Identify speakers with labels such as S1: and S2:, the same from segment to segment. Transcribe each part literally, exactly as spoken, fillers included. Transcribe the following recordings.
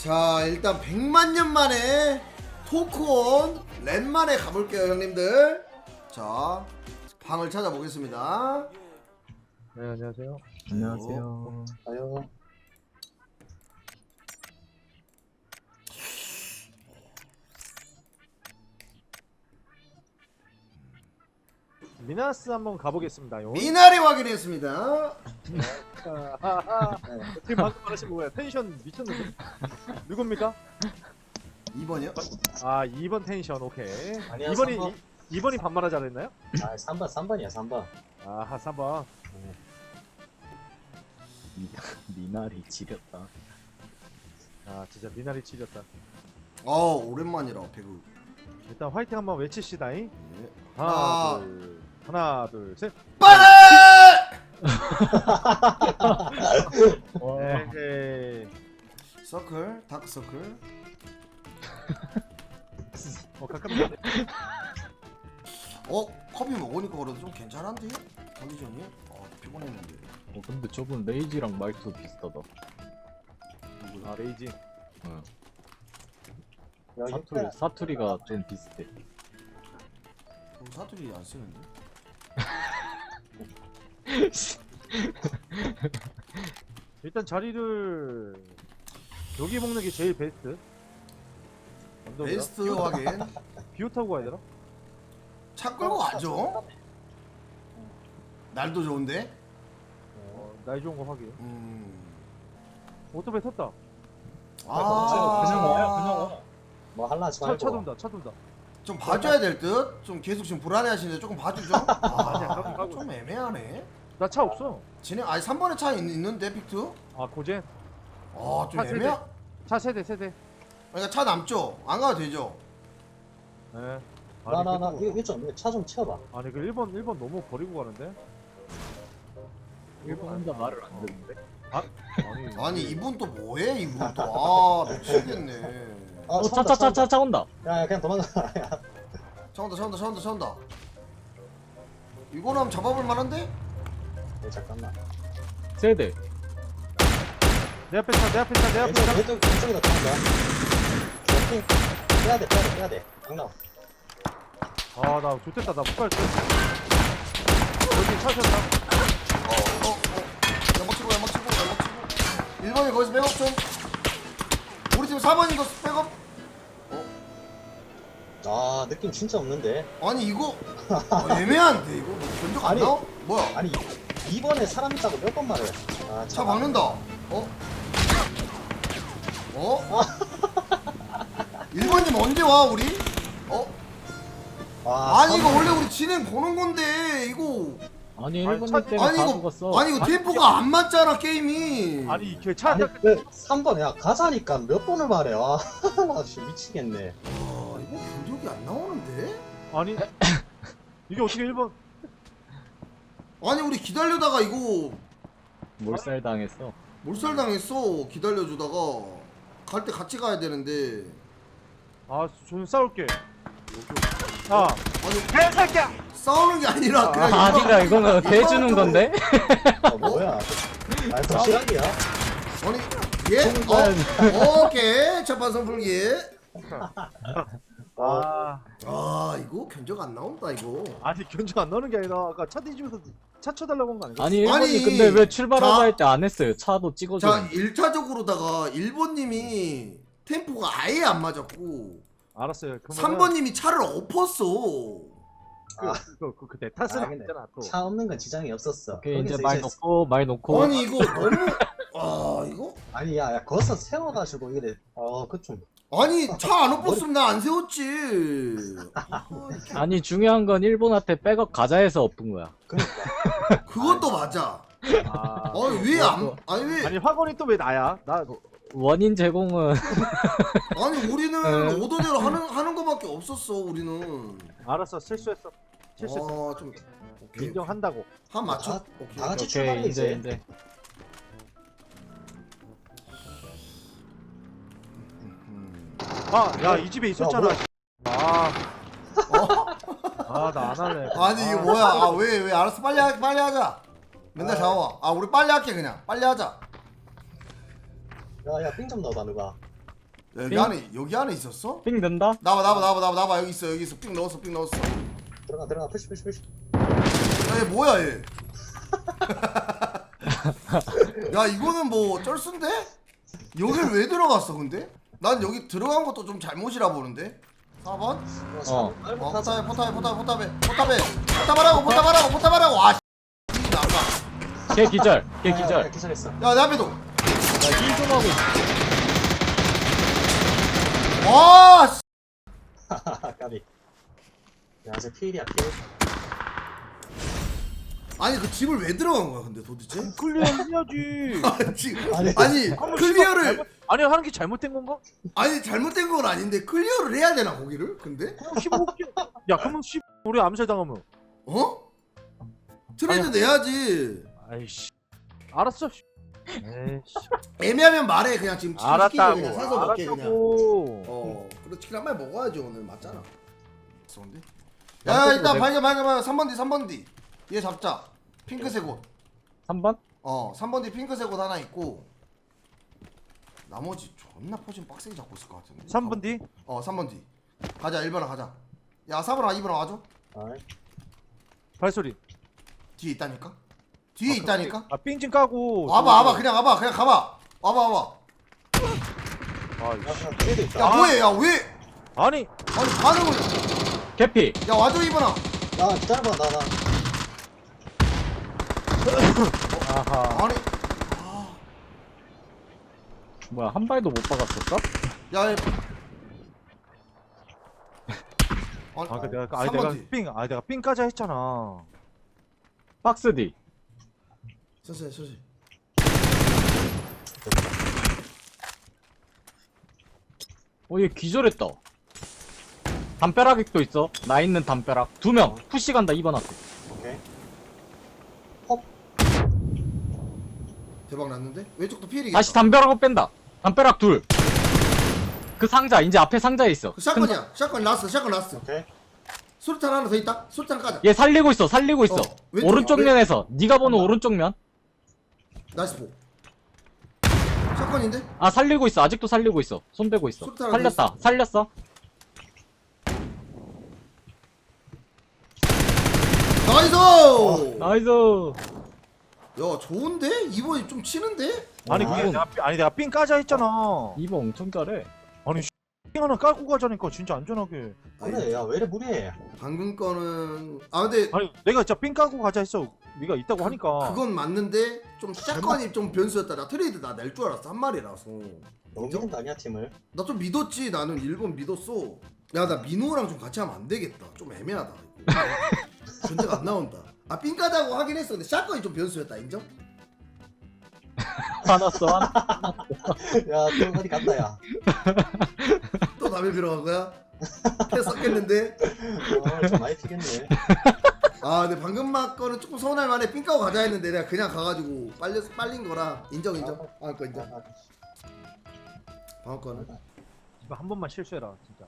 S1: 자, 일단 백만 년 만에 토크온 랜만에 가볼게요, 형님들. 자, 방을 찾아보겠습니다.
S2: 네, 안녕하세요.
S3: 안녕하세요.
S4: 아유.
S2: 미나스 한번 가보겠습니다. 요.
S1: 미나리 확인했습니다.
S2: 지금 방금 말하신 거예요. 텐션 미쳤는데. 누굽니까?
S1: 이 번이요?
S2: 아, 이 번 텐션 오케이.
S4: 아니야,
S2: 이 번이
S4: 삼 번.
S2: 이 번이 반말하 잘했나요?
S4: 아, 삼 번, 삼 번이야, 삼 번.
S2: 아, 삼 번.
S3: 미, 미나리 지렸다.
S2: 아, 진짜 미나리 치렸다.
S1: 어, 오랜만이라 배그.
S2: 일단 화이팅 한번 외치시다잉.
S1: 예.
S2: 하나,
S1: 아.
S2: 둘, 하나, 둘, 셋.
S1: 빨리!
S2: 에헤이.
S1: 서클, 다크 서클.
S2: 어, 가깝네.
S1: 어, 커피 먹으니까 그래도 좀 괜찮은데? 컨디션이? 어, 피곤했는데.
S3: 어 근데 저분 레이지랑 말투 비슷하다.
S1: 누구야?
S2: 아, 레이지.
S3: 응.
S4: 여기
S3: 사투리 사투리가 좀 비슷해.
S1: 그럼 사투리 안 쓰는데?
S2: 일단 자리를 여기 먹는 게 제일 베스트. 언덕이라?
S1: 베스트 확인.
S2: 비오 타고 가야 되나?
S1: 차 끌고 가죠? 날도 좋은데?
S2: 어, 날 좋은 거 확인.
S1: 음.
S2: 오토바이 탔다.
S1: 아,
S4: 그냥 와요, 그냥 와. 뭐 할라 하지
S2: 차,
S4: 말고.
S2: 차 돈다, 차 돈다.
S1: 좀 봐줘야 될 듯? 좀 계속 지금 불안해 하시는데 조금 봐주죠?
S2: 아니야, 가고,
S1: 아,
S2: 가고.
S1: 좀 애매하네.
S2: 나 차 없어.
S1: 진행, 아니 삼 번에 차 있, 있는데, 픽트?
S2: 아, 고젠.
S1: 아, 좀
S2: 차 세대.
S1: 애매하...
S2: 차 세대, 세대.
S1: 그러니까 차 남죠? 안 가도 되죠?
S2: 네.
S4: 나, 나, 나,
S2: 그-
S4: 이거 좀, 차 좀 채워봐.
S2: 아니, 그 일 번, 일 번 너무 버리고 가는데?
S3: 일본 혼자 말을 안 듣는데.
S2: 아니,
S1: 아니, 이분 또 뭐해, 이분 또. 아, 미치겠네.
S4: 아,
S3: 어
S4: 차
S3: 차
S4: 온다,
S3: 차 차 차 온다.
S4: 야, 야, 그냥 도망가. 야.
S1: 차 온다, 차 온다, 차 온다, 차 온다. 이거는 한번 잡아볼 만한데?
S4: 네, 잠깐만.
S3: 세대.
S2: 내 앞에 차, 내 앞에 차, 내 앞에
S4: 왼쪽,
S2: 차.
S4: 왼쪽, 왼쪽에다 도망가. 오케이. 빼야 돼, 빼야 돼, 빼야 돼. 안 나와.
S2: 아, 나 좋댔다. 나 못 갈 듯. 여기 차 셨다.
S1: 어, 어, 어. 연막 치고, 연막 치고, 연막 치고. 일 번이 거기서 백업 좀. 우리 팀 사 번 이거 백업.
S4: 아, 느낌 진짜 없는데.
S1: 아니, 이거. 어, 애매한데, 이거. 뭐 견적 안
S4: 아니.
S1: 나와? 뭐야?
S4: 아니, 이번에 사람 있다고 몇 번 말해. 아,
S1: 차 박는다. 어? 어? 일 번님 언제 와, 우리? 어?
S4: 아,
S1: 아니, 이거
S4: 삼-
S1: 원래 우리 진행 보는 건데, 이거.
S3: 아니
S2: 아니,
S3: 일본
S2: 차-
S3: 님 때문에
S1: 아니,
S3: 다
S1: 이거.
S3: 죽었어.
S1: 아니, 이거
S2: 아니,
S1: 템포가 안 맞잖아, 게임이.
S2: 아니, 걔차
S4: 아니,
S2: 딱.
S4: 그, 삼 번, 야, 가자니까 몇 번을 말해. 아, 나 진짜 미치겠네.
S1: 아, 이거 견적이 안 나오는데?
S2: 아니. 이게 어떻게 일 번.
S1: 아니, 우리 기다려다가 이거
S3: 몰살 당했어.
S1: 몰살 당했어. 기다려주다가. 갈 때 같이 가야 되는데.
S2: 아, 저는 싸울게. 아,
S1: 아니,
S2: 개새끼야!
S1: 싸우는 게 아니라 그냥
S3: 아, 아니라 이거는
S1: 이거
S3: 대주는
S1: 좀-
S3: 건데.
S4: 아, 뭐야. 아, 더 시간이야.
S1: 아니, 예?
S3: 정말.
S1: 어? 오케이. 첫판 선풀기.
S2: 아,
S1: 아, 이거 견적 안 나온다, 이거.
S2: 아니, 견적 안 나오는 게 아니라 아까 차 뒤지면서 차 쳐달라고 한 거 아닌가?
S3: 아니 일본이
S1: 아니,
S3: 근데 왜 출발하자
S1: 자-
S3: 할 때 안 했어요? 차도 찍어줘.
S1: 자, 일 차적으로다가 일 번님이 템포가 아예 안 맞았고
S2: 알았어요. 그러면은
S1: 삼 번님이 차를 엎었어.
S2: 그, 그, 그, 그, 내 탓은
S4: 아, 근데
S2: 아니잖아, 또.
S4: 차 없는 건 지장이 없었어.
S3: 오케이 이제
S4: 거기서
S3: 말 놓고 말 놓고.
S1: 아니, 이거 너무. 아, 이거?
S4: 아니, 야, 야, 거기서 세워가지고 이래. 어, 그 좀.
S1: 아니, 차 안 엎었으면 나 안 세웠지. 아,
S3: 아니 중요한 건 일본한테 백업 가자 해서 엎은 거야.
S4: 그니까.
S1: 그것도 맞아.
S2: 아,
S1: 아니, 왜 안. 아니, 왜.
S2: 아니, 학원이 또 왜 나야? 나,
S3: 원인 제공은
S1: 아니, 우리는
S3: 에.
S1: 오더대로 하는, 하는 거밖에 없었어, 우리는.
S2: 알았어, 실수했어. 실수했어.
S1: 아, 좀. 오케이.
S2: 인정한다고.
S1: 한 맞춰.
S4: 다-
S1: 오케이.
S4: 다 같이
S3: 오케이
S4: 출발해,
S3: 이제
S4: 이제.
S3: 이제
S1: 음.
S2: 아, 야, 이 집에 있었잖아.
S4: 뭐야?
S2: 아,
S1: 어?
S2: 아, 나 안 할래.
S1: 아니, 이게 뭐야. 아, 왜, 왜. 알았어. 빨리, 하, 빨리 하자. 맨날
S4: 아.
S1: 잡아와. 아, 우리 빨리 할게, 그냥. 빨리 하자.
S4: 야, 야, 삥 좀 넣어봐, 누가.
S1: 여기
S3: 삥?
S1: 안에 여기 안에 있었어?
S3: 삥 된다?
S1: 나와 나와 나와 나와 나와 여기 있어 여기 있어 삥 넣었어 삥 넣었어.
S4: 들어가 들어가 푸시 푸시 푸시.
S1: 야, 얘 뭐야 얘? 야 이거는 뭐 쩔순데? 여길 왜 들어갔어 근데? 난 여기 들어간 것도 좀 잘못이라 보는데. 사 번?
S3: 어.
S1: 어 포탑에 포탑에 포탑에 포탑에 포탑에 포탑하라고 포탑하라고 포탑하라고. 아 씨. 나가.
S3: 걔 기절 걔
S4: 야, 야,
S3: 기절
S4: 기절했어.
S1: 야내 앞에도.
S3: 나힐좀 하고 있어.
S1: 와 씨.
S4: 까비. 야, 저 필이야 필.
S1: 아니 그 집을 왜 들어간 거야 근데 도대체?
S2: 클리어 해야지.
S1: 아니 지금
S4: 아니,
S1: 아니
S2: 한번
S1: 클리어를
S2: 잘못- 아니 하는 게 잘못된 건가?
S1: 아니 잘못된 건 아닌데 클리어를 해야 되나 거기를? 근데?
S2: 그럼 십오 개. 야 그러면 십 우리 암살 당하면.
S1: 어? 트레이드 내야지.
S2: 아이씨. 알았어. 씨. 에이씨.
S1: 애매하면 말해 그냥 지금 치킨 시키고
S2: 알았다고.
S1: 그냥 사서 먹게 그냥.
S2: 알았다고.
S1: 어 그리고 치킨 한 마리 먹어야지 오늘 맞잖아. 좋은데? 야
S3: 양쪽으로
S1: 일단
S3: 내-
S1: 발견 발견 발견 삼 번 뒤 삼 번 뒤. 얘 잡자. 핑크색 옷.
S3: 삼 번?
S1: 어 삼 번 뒤 핑크색 옷 하나 있고 나머지 존나 포진 빡세게 잡고 있을 것 같은데.
S2: 삼 번 뒤.
S1: 어 삼 번 뒤. 가자 일 번으로 가자. 야 사 번아 이 번아 와줘.
S4: 아이,
S2: 발소리.
S1: 뒤에 있다니까? 뒤에 있다니까?
S2: 아 삥ጭ 까고.
S1: 와봐 와봐 그냥 와봐 그냥 가봐. 와봐 와봐.
S2: 아이씨.
S4: 야, 그냥 필도 있다.
S1: 야 뭐해 야 왜?
S2: 아니.
S1: 아니 반응을.
S3: 개피
S1: 야 와줘 이 번아.
S4: 나 기다려봐 나 나.
S2: 아하.
S1: 아니.
S3: 뭐야 한 발도 못 박았었어?
S1: 야 얘. 아니,
S2: 아, 그 내가 아니
S1: 삼
S2: 내가
S1: 번 뒤.
S2: 삥, 아 내가 삥까지 했잖아.
S3: 박스 뒤
S1: 천천히 천천히.
S3: 어, 얘 기절했다. 담벼락도 있어. 나 있는 담벼락. 두 명. 푸시 간다, 이번 앞에.
S4: 오케이.
S1: 대박 났는데? 왼쪽도 피해리겠다.
S3: 다시 담벼락으로 뺀다. 담벼락 둘. 그 상자, 이제 앞에 상자에 있어.
S1: 그 샷건이야. 샷건 났어. 샷건 났어.
S4: 오케이.
S1: 수류탄 하나 더 있다. 수류탄 까자.
S3: 얘 살리고 있어, 살리고 있어.
S1: 어, 왼쪽,
S3: 오른쪽
S1: 왼-
S3: 면에서. 네가 보는 오른쪽 면.
S1: 나이스 보. 샷건인데?
S3: 아, 살리고 있어. 아직도 살리고 있어. 손 대고 있어.
S1: 수류탄 하나 더
S3: 살렸다.
S1: 있어.
S3: 살렸어.
S1: 나이스!
S3: 나이스.
S1: 야 좋은데? 이번이 좀 치는데?
S2: 아니
S3: 아,
S2: 그게
S3: 이건-
S2: 내가 삥- 아니 내가 삥까지 했잖아.
S3: 이번 엄청 잘해.
S2: 아니 삥 하나 깔고 가자니까 진짜 안전하게.
S4: 그래, 야, 왜 이래 무리해?
S1: 방금 거는 아 근데
S2: 아니 내가 진짜 삥 깔고 가자 했어. 네가 있다고 하니까.
S1: 그건 맞는데 좀 샷건이 좀 변수였다. 나 트레이드 나 낼 줄 알았어. 한 마리라서.
S4: 너무 믿는 거 아니야 팀을?
S1: 나 좀 믿었지. 나는 일본 믿었어. 야 나 민호랑 좀 같이 하면 안 되겠다. 좀 애매하다. 이거. 견제가 안 나온다. 아 삥까다고 하긴 했어. 근데 샷건이 좀 변수였다. 인정?
S3: 화났어, 화났어.
S4: 야, 또 어디 갔다 야.
S1: 또 담배 피러 간 거야? 했었겠는데?
S4: 어, 좀 많이 튀겠네.
S1: 아 근데 방금 막 거는 조금 서운할 만해. 삥 까고 가자 했는데 내가 그냥 가가지고 빨려, 빨린 거라 인정 인정. 방금 거 인정. 방금 거는
S2: 제발 한 번만 실수해라 진짜.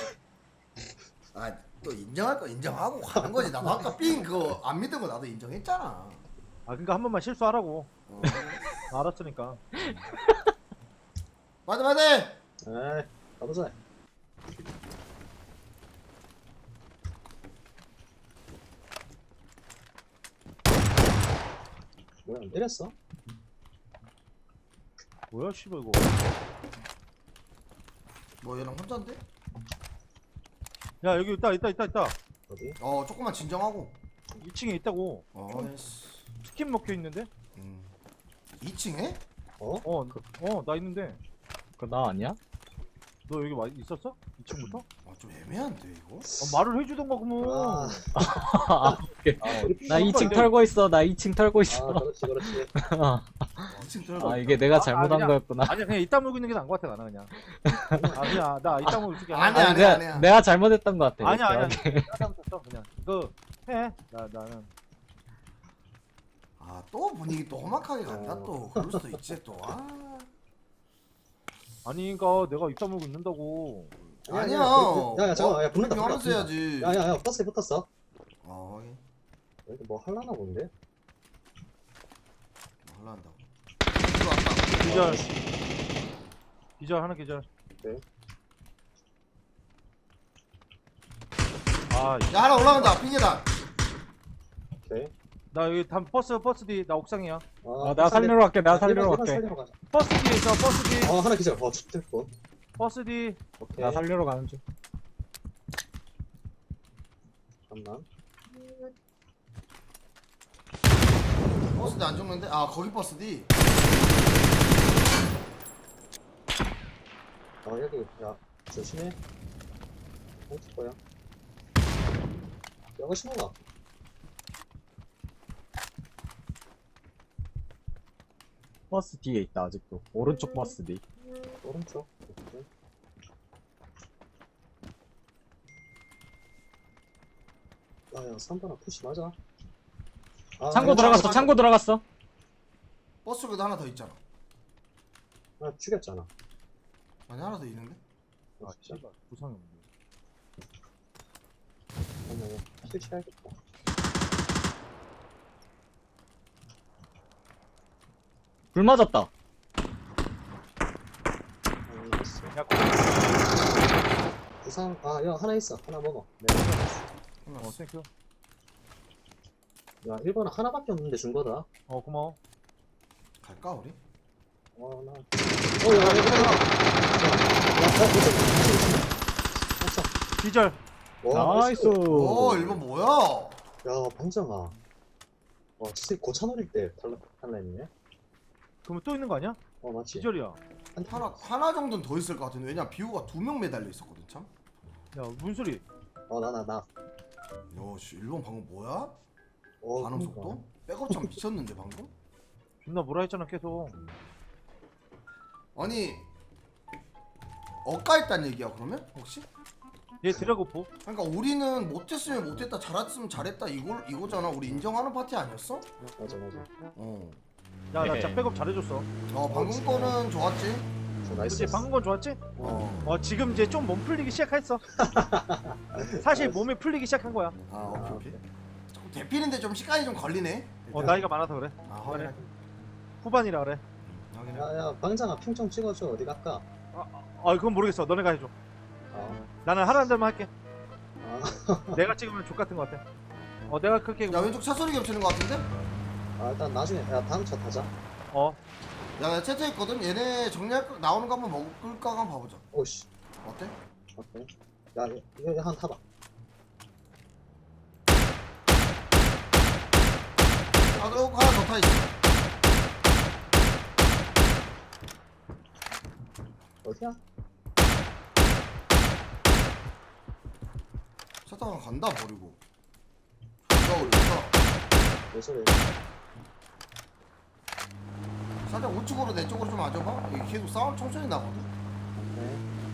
S1: 아 또 인정할 거 인정하고 가는 거지. 나 아까 삥 그거 안 믿은 거 나도 인정했잖아.
S2: 아 그러니까 한 번만 실수하라고.
S1: 어.
S2: 알았으니까.
S1: 맞아 맞아.
S4: 에이, 가보자. 뭐야, 안 때렸어?
S2: 뭐야 씨발 이거.
S1: 뭐 얘랑 혼자인데?
S2: 야 여기 있다 있다 있다 있다.
S4: 어디?
S1: 어 조금만 진정하고.
S2: 이 층에 있다고.
S1: 어. 에이씨.
S2: 치킨 먹혀 있는데?
S1: 음. 이 층에?
S4: 어?
S2: 어, 어 나 있는데.
S3: 그거 나 아니야?
S2: 너 여기 와 있었어? 이 층부터?
S1: 아 좀 애매한데 이거?
S2: 어, 말을 해주던가 그러면.
S4: 아,
S3: 아, 오케이.
S4: 아, 어디?
S3: 나 이 층 털고 있어. 나 이 층 털고
S4: 아,
S3: 있어.
S4: 그렇지, 그렇지.
S1: 이 층 들어가.
S3: 아, 이게 내가
S2: 아,
S3: 잘못한
S2: 그냥-
S3: 거였구나.
S2: 아니야 그냥 이따 물고 있는 게 나은 것 같아 나는 그냥. 아 그냥 나 이따 물고 있을게.
S1: 아니야,
S3: 아니,
S1: 아니야,
S3: 내가,
S1: 아니야.
S3: 내가 잘못했던 것 같아.
S2: 아니야 아니야.
S3: 이렇게.
S2: 잘못했어 그냥. 그 해. 나 나는.
S1: 아또 분위기 또 험악하게 간다
S4: 어.
S1: 또. 그럴 수도 있지 또. 아.
S2: 아니 그니까 내가 이따 물고 있는다고.
S1: 아니야.
S4: 야, 야, 잠깐만. 야, 붙는다,
S1: 하면서
S4: 붙는다.
S1: 해야지.
S4: 야, 야, 야, 버스에 붙었어.
S1: 아 확인.
S4: 여기 뭐 할라나 본데?
S1: 뭐 하려 한다고. 들어왔다.
S2: 기절. 기절 하나 기절.
S4: 오케이.
S2: 아,
S1: 야 하나 올라간다 핑계단.
S4: 오케이.
S2: 나 여기 담 버스 버스 뒤 나 옥상이야.
S3: 어, 내가 살리러 갈게. 내가 살리러 갈게.
S4: 살리러 가자.
S2: 버스 뒤에 있어. 버스 뒤.
S4: 어 하나 기절. 어 죽겠고.
S2: 버스 뒤.
S4: 오케이.
S3: 내가 살리러 가는 중.
S4: 잠깐만.
S1: 버스디 안 죽는데? 아 거기 버스디.
S4: 어 여기 야 조심해. 어디 거야? 여기 신호가.
S3: 버스 뒤에 있다 아직도. 오른쪽 버스 뒤.
S4: 오른쪽. 오케이. 아야 삼 번아 푸시 맞아. 아,
S3: 창고
S4: 야,
S3: 들어갔어.
S4: 창고-
S3: 창고 들어갔어.
S1: 버스 쪽에도 하나 더 있잖아.
S4: 아 죽였잖아.
S1: 아니 하나 더 있는데?
S2: 아, 씨발. 부상이 없네.
S4: 잠깐만요. 실치해야겠다.
S3: 불 맞았다.
S4: 아, 이거 있어.
S2: 야, 거기.
S4: 부상 아야 하나 있어. 하나 먹어. 내가 먹었어.
S2: 어, 땡큐.
S4: 야 일 번은 하나밖에 없는데 준 거다.
S2: 어, 고마워.
S1: 갈까 우리?
S4: 어, 나. 어, 야, 야, 야, 야, 야, 야,
S2: 기절.
S3: 나이스.
S1: 오 일본 뭐야?
S4: 야, 방정아. 와, 진짜 고차놀일 때 탈라, 탈라했네.
S2: 그러면 또 있는 거 아니야?
S4: 어, 맞지?
S2: 기절이야.
S4: 한
S1: 하나 하나 정도는 더 있을 것 같은데 왜냐 비우가 두 명 매달려 있었거든 참.
S2: 야, 무슨 소리?
S4: 어, 나, 나, 나.
S1: 야씨 일본 방금 뭐야?
S4: 어,
S1: 반응
S4: 그러니까.
S1: 속도? 백업 참 미쳤는데 방금?
S2: 존나 뭐라 했잖아, 계속.
S1: 아니 억까했단 얘기야 그러면 혹시?
S2: 얘 드래고포?
S1: 그러니까 우리는 못했으면 못했다 잘했으면 잘했다 이걸 이거잖아 우리 인정하는 파티 아니었어?
S4: 맞아, 맞아.
S1: 어.
S2: 야, 나 진짜 백업 잘해줬어.
S1: 어 방금 거는 좋았지.
S4: 저 나이스.
S2: 그치, 방금 건 좋았지?
S1: 어.
S2: 어, 지금 이제 좀 몸 풀리기 시작했어. 사실 몸이 풀리기 시작한 거야.
S1: 아 오케이 오케이. 자꾸 대피는데 좀 시간이 좀 걸리네.
S2: 어, 나이가 많아서 그래.
S1: 아 확인해.
S2: 후반이라 그래.
S1: 확인해.
S4: 야, 야, 방장아, 핑 좀 찍어줘. 어디 갈까?
S2: 아, 그건 모르겠어. 너네가 해줘.
S4: 아,
S2: 나는 하라는 대로만 할게.
S4: 아,
S2: 내가 찍으면 족 같은 거 같아. 어, 내가 그렇게.
S1: 야 왼쪽 차 소리 겹치는 것 같은데?
S4: 아, 일단 나중에, 야, 다음 차 타자.
S2: 어,
S1: 야나 채팅했거든. 얘네 정리할 거 나오는 거 한번 먹을까 한번 봐보자.
S4: 오씨.
S1: 어때?
S4: 오케이. 야, 이거, 이거 한 타봐.
S1: 아 너 하나 더 타 있어.
S4: 어디야?
S1: 차 타고 간다 버리고. 존나 어렵다.
S4: 왜 저래?
S1: 살짝 우측으로 내 쪽으로 좀 와줘봐. 이게 계속 싸움 천천히 나거든.
S4: 오케이.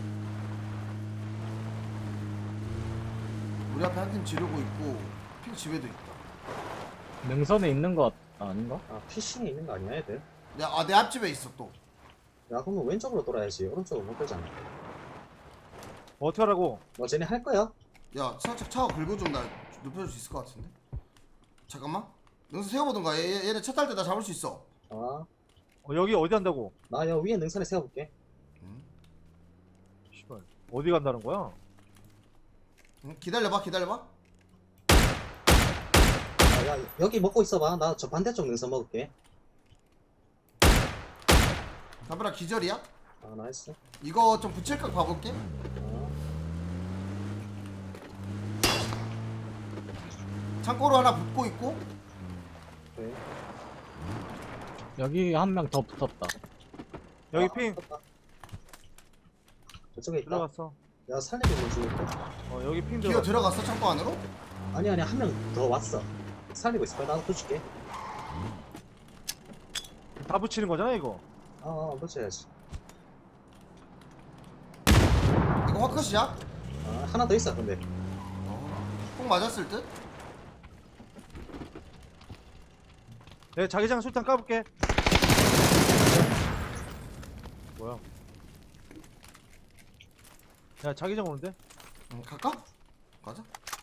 S1: 우리 앞에 한 팀 지르고 있고 핑 집에도 있다.
S3: 능선에 있는 거 아닌가?
S4: 아, 피싱이 있는 거 아니야, 애들?
S1: 야내 앞집에 있어 또.
S4: 야, 그러면 왼쪽으로 돌아야지. 오른쪽으로 못 돌잖아.
S2: 어떻게 하라고?
S4: 너 쟤네 할 거야?
S1: 야 살짝 차 긁어 좀 나 눕혀줄 수 있을 것 같은데. 잠깐만. 능선 세워보던가. 얘, 얘- 얘네 차 탈 때 나 잡을 수 있어.
S4: 아,
S2: 어, 여기 어디 간다고?
S4: 나 여 위에 능선에 세워볼게.
S1: 응?
S2: 씨발. 어디 간다는 거야?
S1: 응? 기다려봐 기다려봐.
S4: 아, 야, 여기 먹고 있어봐. 나 저 반대쪽 능선 먹을게.
S1: 담벼락 기절이야?
S4: 아, 나이스.
S1: 이거 좀 붙일까 봐볼게.
S4: 아,
S1: 창고로 하나 붙고 있고.
S4: 오케이.
S3: 여기 한 명 더 붙었다.
S2: 여기
S4: 아,
S2: 핑.
S4: 떴다. 저쪽에 있다.
S2: 들어갔어.
S4: 야, 살리고 있는 중인데?
S2: 어, 여기 핑
S1: 기어
S2: 들어갔어.
S1: 들어갔어 창고 안으로?
S4: 아니, 아니, 한 명 더 왔어. 살리고 있을 거야. 나도 붙일게.
S2: 다 붙이는 거잖아, 이거.
S4: 아, 아, 붙여야지.
S1: 이거 화컷이야?
S4: 아, 하나 더 있어, 근데.
S1: 꼭 맞았을 듯?
S2: 내가 자기장 술탄 까볼게. 뭐야? 야, 자기장 오는데?
S1: 응, 갈까? 가자.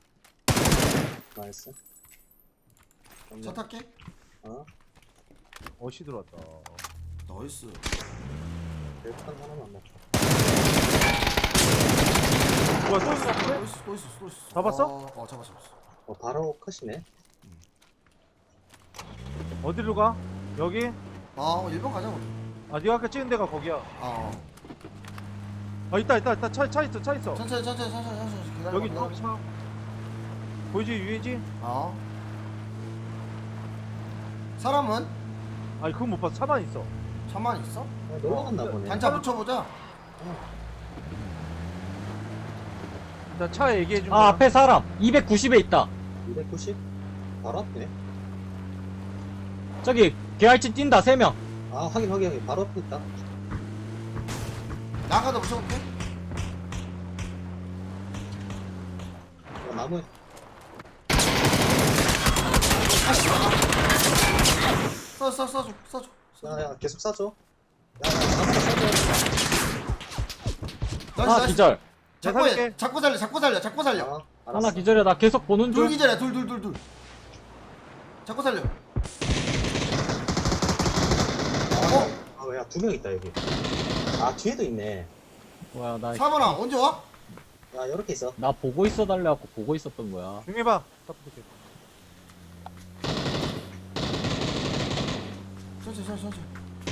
S4: 나이스.
S1: 차 탈게.
S4: 아,
S2: 어시 들어왔다.
S1: 나이스.
S4: 일단 하나만 먹자.
S2: 뭐야 또 있어?
S1: 또 있어 또 있어 또 있어.
S2: 잡았어?
S1: 어, 어 잡았어 잡았어.
S4: 어, 바로 컷이네.
S2: 어디로 가? 여기?
S1: 아 일 번 가자고.
S2: 아 네가 아까 찍은 데가 거기야.
S1: 아
S2: 아 있다 있다 있다 차, 차 있어 차 있어.
S1: 천천히 천천히 천천히 천천히 기다려.
S2: 여기 또 차. 보이지 위에지?
S1: 어. 사람은
S2: 아니 그건 못 봤어. 차만 있어.
S1: 차만 있어?
S4: 어, 놀러 갔나 보네.
S1: 단차 붙여보자.
S2: 일단 차 얘기해 준
S3: 아
S2: 거야.
S3: 앞에 사람 이백구십에 있다.
S4: 이백구십? 바로 앞이네.
S3: 저기 개알치 뛴다 세 명.
S4: 아, 확인, 확인, 확인. 바로 앞에 있다.
S1: 나가다 붙여볼게.
S4: 어, 나무에.
S1: 써 써 써줘 써줘.
S4: 야, 야, 계속 쏴줘. 야, 야, 나무에 쏴줘.
S1: 나이스
S3: 아
S1: 나이스.
S3: 기절.
S1: 잡고
S2: 내가
S1: 해.
S2: 살릴게.
S1: 잡고 살려 잡고 살려 잡고 살려.
S4: 아, 알았어.
S3: 하나 기절이야. 나 계속 보는
S1: 둘
S3: 중.
S1: 기절이야 둘 둘 둘 둘. 잡고 살려. 어?
S4: 아, 야, 두 명 있다, 여기. 아, 뒤에도 있네.
S3: 뭐야 나.
S1: 사번아 언제 와?
S4: 야, 요렇게 있어.
S3: 나 보고 있어 달래갖고 보고 있었던 거야.
S2: 중해봐.
S1: 천천히 천천히 천천히.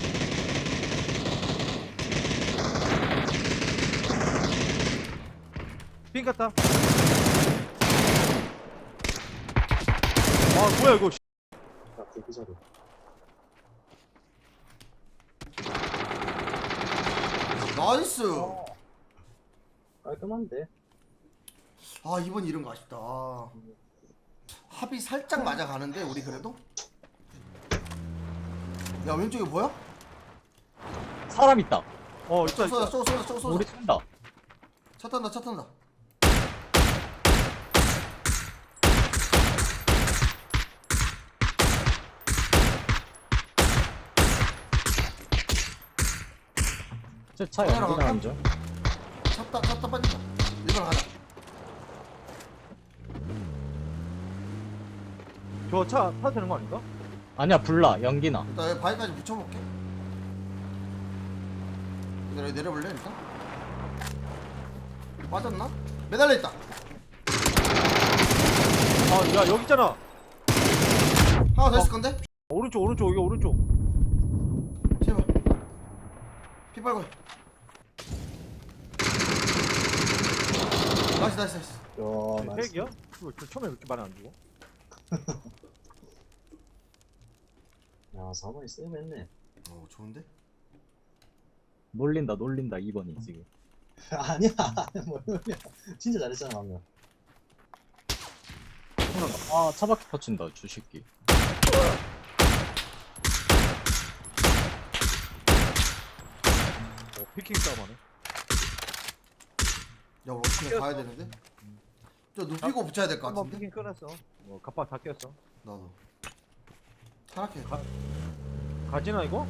S2: 삥 갔다. 아 뭐야 이거.
S4: 야, 그 자리.
S1: 나이스.
S4: 깔끔한데?
S1: 아 이번 이런 거 아쉽다. 합이 살짝 맞아가는데 우리 그래도. 야 왼쪽에 뭐야?
S3: 사람 있다.
S2: 어 있다
S1: 쏘다
S2: 있다.
S1: 쏘 쏘다 쏘 쏘다.
S3: 우리 쏜다.
S1: 차 탄다 차 탄다.
S3: 제차
S1: 카메라
S3: 연기나
S1: 갈까?
S3: 앉아.
S1: 찼다 찼다 빠진다. 일 번 가자.
S2: 저차 타도 되는 거 아닌가?
S3: 아니야 불나 연기나.
S1: 일단 여기 바위까지 붙여볼게. 기다려 여기 내려볼래 일단? 빠졌나? 매달려 있다.
S2: 아야 여기 있잖아.
S1: 하나 더 있을 건데?
S2: 오른쪽 오른쪽 여기 오른쪽.
S1: 제발. 피 빨고. 나이스 나이스 나이스.
S4: 야, 나이스.
S2: 핵이야? 이거 저 처음에 왜 이렇게 많이 안 주고?
S4: 야, 사 번이 쎄했네.
S1: 어 좋은데?
S3: 놀린다 놀린다 이 번이 지금.
S4: 아니야, 뭘 놀려. 진짜 잘했잖아, 방금.
S3: 아 차바퀴 퍼친다 주 새끼.
S2: 어 피킹 싸움하네.
S1: 야 우리 어떻게 가야 되는데? 저 눕히고 붙여야 될 것
S2: 한번
S1: 같은데?
S2: 피킹 끊었어. 뭐 갑박 다 꼈어.
S1: 나도. 타락해.
S2: 가- 가지나 이거?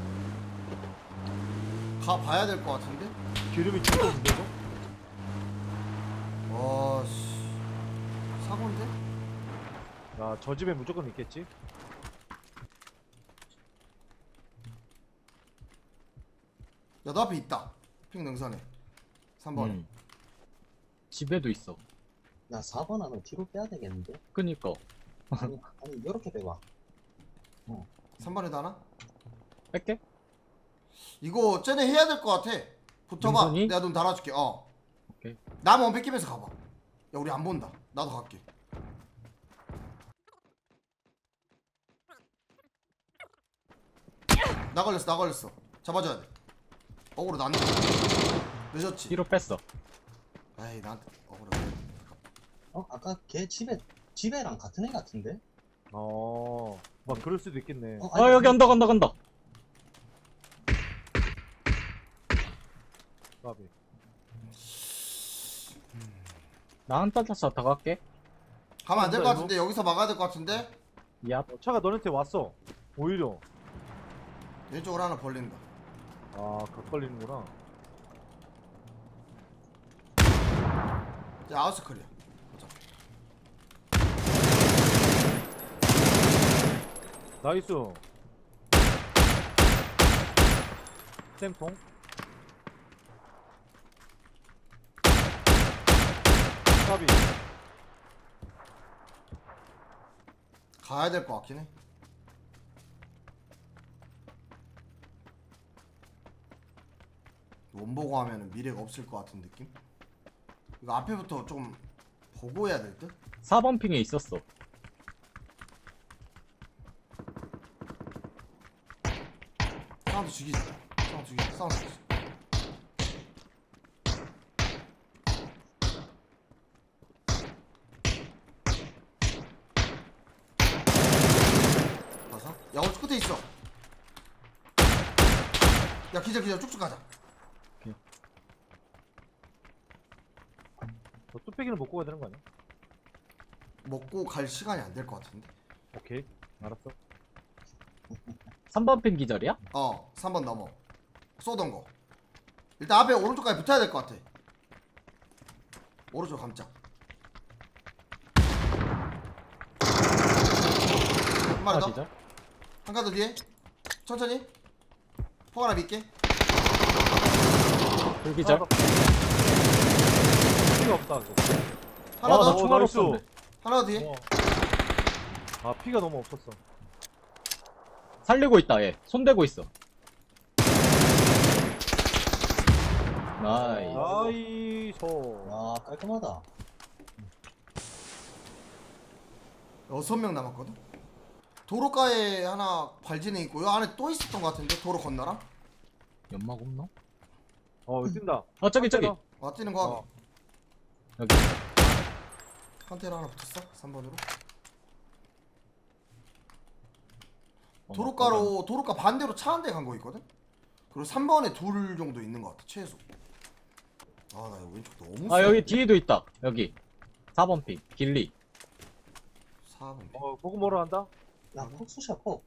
S1: 가 봐야 될 것 같은데?
S2: 기름이 죽어 없는데 이거?
S1: 와씨 사고인데?
S2: 야저 집에 무조건 있겠지?
S1: 야 너 앞에 있다. 핑 능선에. 삼 번에.
S3: 음. 집에도 있어.
S4: 야, 사 번 하면 뒤로 빼야 되겠는데?
S3: 그니까
S4: 아니, 아니, 요렇게 빼봐.
S1: 삼 번에도 하나?
S3: 뺄게.
S1: 이거 쟤네 해야 될 것 같아. 붙어봐.
S3: 능선이?
S1: 내가 눈 달아줄게. 어.
S3: 오케이.
S1: 나만 뺏기면서 가봐. 야 우리 안 본다. 나도 갈게. 나 걸렸어 나 걸렸어. 잡아줘야 돼. 어그로 나는 늦었지.
S3: 뒤로 뺐어.
S1: 에이 나한테 어그로.
S4: 어? 아까 걔 집에, 집에랑 같은 애 같은데?
S2: 어, 막 그럴 수도 있겠네.
S4: 어,
S3: 어 여기 언덕 언덕 언덕.
S2: 까비.
S3: 나 한 따라서 더 갈게.
S1: 가면 안 될 것
S2: 이거?
S1: 같은데 여기서 막아야 될 것 같은데.
S3: 야
S2: 어, 차가 너한테 왔어. 오히려.
S1: 왼쪽으로 하나 벌린다.
S2: 아, 각 걸리는구나.
S1: 이제 아웃스클이야. 보자.
S2: 나이스. 쌤통. 까비.
S1: 가야 될 것 같긴 해. 원보고 하면은 미래가 없을 것 같은 느낌? 이거 앞에부터 좀 보고 해야 될 듯?
S3: 사 번 핑에 있었어.
S1: 사운드 죽이자. 사운드 죽이자. 사운드 죽이자. 봐서? 야, 오른쪽 끝에 있어. 야, 기절, 기절. 쭉쭉 가자.
S2: 저 뚝배기는 먹고 가야 되는 거 아니야?
S1: 먹고 갈 시간이 안 될 것 같은데.
S2: 오케이. 알았어.
S3: 삼 번 핑 기절이야?
S1: 어, 삼 번 넘어. 쏘던 거. 일단 앞에 오른쪽까지 붙어야 될 것 같아. 오른쪽 감자. 한 마리
S3: 하나
S1: 더.
S3: 기절.
S1: 한 칸 더 뒤에. 천천히. 포 하나 믿게.
S3: 둘 기절.
S2: 피가 없다 이거.
S1: 하나
S3: 아,
S1: 더.
S3: 나 총알
S2: 나이스.
S3: 없었네.
S1: 하나 더 뒤에.
S2: 어. 아 피가 너무 없었어.
S3: 살리고 있다, 얘. 손대고 있어. 나이스.
S2: 나이스.
S4: 아 깔끔하다.
S1: 여섯 명 남았거든. 도로가에 하나 발진해 있고 요 안에 또 있었던 것 같은데 도로 건너랑.
S3: 연막 없나?
S2: 어 뛴다.
S3: 어, 저기, 저기.
S1: 와 뛰는 거 하기.
S2: 어.
S3: 여기.
S1: 컨테이너 하나 붙었어. 삼 번으로.
S3: 어,
S1: 도로가로 도로가 반대로 차 한 대 간 거 있거든. 그리고 삼 번에 둘 정도 있는 것 같아 최소. 아 나 이거 왼쪽 너무.
S3: 아, 여기 뒤에도 있다. 여기. 사 번 핑. 길리.
S1: 사 번.
S2: 어 보고 뭐라 한다?
S4: 야 폭수샷 폭.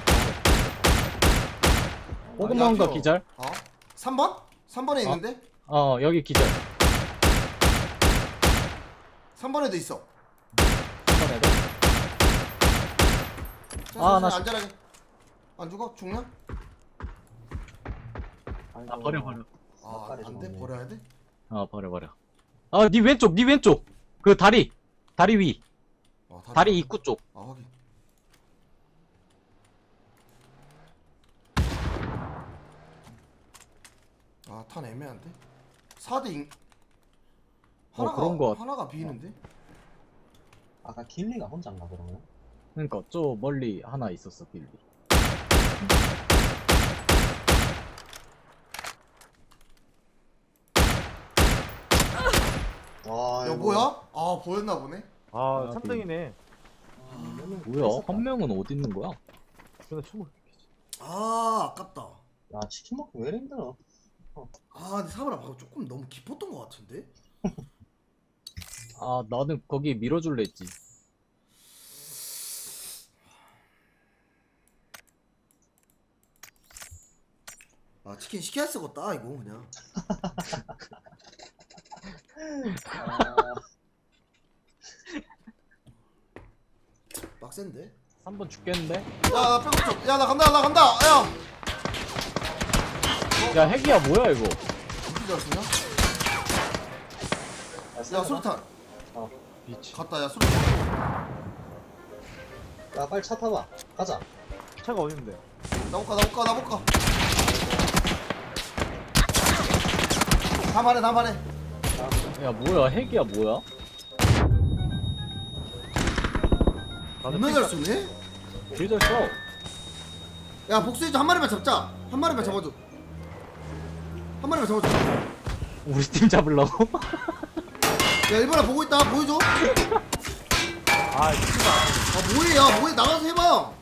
S3: 호그
S1: 야,
S3: 먹은 거
S1: 이거.
S3: 기절.
S1: 어? 삼 번? 삼 번에 있는데?
S3: 어, 여기 기절.
S1: 삼 번에도 있어.
S3: 한 번에 돼. 아, 나
S1: 안전하게. 안 죽어? 죽냐?
S3: 아, 버려, 버려.
S1: 아,
S4: 막걸리
S1: 안 돼?
S4: 좀
S1: 버려야 돼?
S3: 어, 버려, 버려. 아, 니 왼쪽, 니 왼쪽. 그 다리. 다리 위.
S1: 어,
S3: 다리 입구 쪽.
S1: 아, 확인. 아, 탄 애매한데? 사 대 인...
S3: 어,
S1: 하나가,
S3: 그런 거 같-
S1: 하나가 비는데?
S4: 아까 길리가 혼자인가 그러면?
S3: 그러니까 저 멀리 하나 있었어, 길리.
S4: 와
S1: 야, 뭐야? 아, 보였나 보네?
S2: 아
S3: 아,
S2: 삼 등이네.
S3: 뭐야? 한 명은 어디 있는 거야?
S2: 근데 춤을.
S1: 아, 아깝다.
S4: 야 치킨 먹기 왜 이리 힘들어?
S1: 아, 근데 사브라 방금 조금 너무 깊었던 것 같은데?
S3: 아, 나는 거기 밀어줄래 했지.
S1: 아, 치킨 시켜야 쓰겄다, 이거 그냥.
S4: 아,
S1: 빡센데?
S3: 삼 번 죽겠는데?
S1: 야, 나 백업 좀. 야, 나 간다, 나 간다! 야!
S3: 야, 핵이야, 뭐야, 이거?
S1: 어떻게 잘 쓰냐? 야, 수류탄.
S2: 미치.
S1: 갔다, 야, 수류탄.
S4: 야 빨리 차 타봐. 가자.
S2: 차가 어디 있는데?
S1: 나 못 가, 나 못 가, 나 못 가. 다 말해, 다 말해.
S3: 야, 뭐야, 핵이야, 뭐야?
S1: 겁나 잘 쏘네?
S3: 길잘 써.
S1: 야, 복수해줘. 한 마리만 잡자. 한 마리만 잡아줘. 한 마리만 잡아줘.
S3: 우리 팀 잡으려고?
S1: 야, 일본아 보고 있다. 보여줘.
S2: 아 진짜.
S1: 아, 뭐해, 야, 뭐해. 나가서 해봐.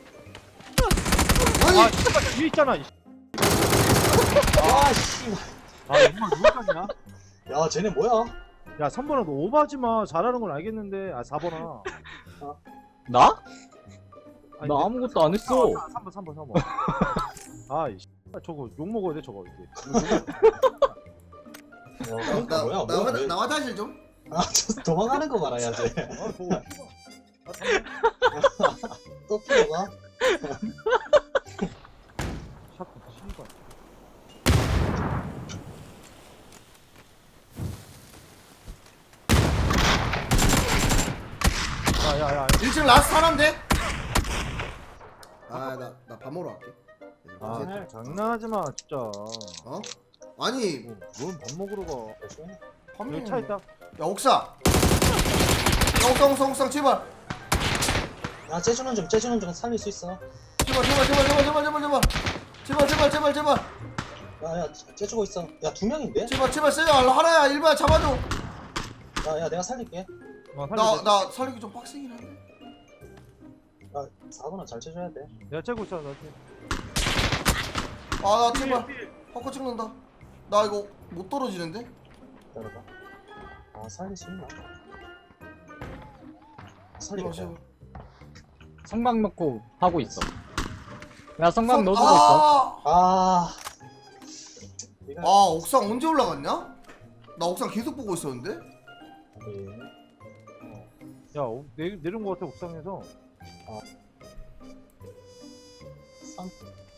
S1: 아니,
S2: 아 진짜 뒤에 있잖아. 이
S4: 아 씨.
S2: 아 정말 누구까지냐?
S4: 야 쟤네 뭐야?
S2: 야 삼 번아 너 오버하지 마. 잘하는 건 알겠는데. 아 사 번아.
S3: 나?
S2: 아니,
S3: 나 아무것도 안 했어.
S2: 삼 번 삼 번 삼 번. 아이 씨. 저거 욕 먹어야 돼 저거 이제.
S4: 야,
S1: 나,
S4: 그러니까
S1: 나,
S4: 뭐야?
S1: 나,
S4: 뭐야?
S1: 나,
S4: 왜-
S1: 나 화장실 좀.
S4: 아, 저 도망가는 거 봐라, 야, 쟤.
S2: 아 저거. 아, 삼 번.
S4: 또 피어가?
S2: 샷건 씨발. 야야야.
S1: 일 층 라스트 하나인데? 아나 나 밥 먹으러 갈게.
S2: 아
S1: 아,
S2: 장난하지 마 진짜.
S1: 어? 아니
S2: 뭐, 넌밥 먹으러 가.
S4: 조심해.
S1: 밥
S2: 여기 차 있다.
S1: 야 옥상 야 옥상 옥상 옥상 제발
S4: 야 째주는 좀 째주는 좀 살릴 수 있어.
S1: 제발 제발 제발 제발 제발 제발 제발 제발 제발 제발 제발
S4: 야야 째주고 있어. 야 두 명인데?
S1: 제발 제발 세요 하나야 일반 잡아줘.
S4: 야야 내가 살릴게.
S2: 어,
S1: 나
S2: 살려줘.
S1: 나 살리기 좀 빡세긴 한데.
S4: 야 사고나 잘 쳐줘야 돼.
S2: 내가 째고 있어 나 지금.
S1: 아 나 제발 헛거 찍는다. 나 이거 못 떨어지는데?
S4: 기다려봐. 아 살릴 수 있나?
S1: 제발
S4: 살리겠다.
S1: 제발.
S3: 성광 넣고 하고 있어. 야 성광 넣어주고 있어.
S1: 아,
S4: 아. 네가
S1: 아 옥상 언제 올라갔냐? 나 옥상 계속 보고 있었는데?
S4: 예.
S2: 야 어, 내, 내린 거 같아 옥상에서.
S4: 삼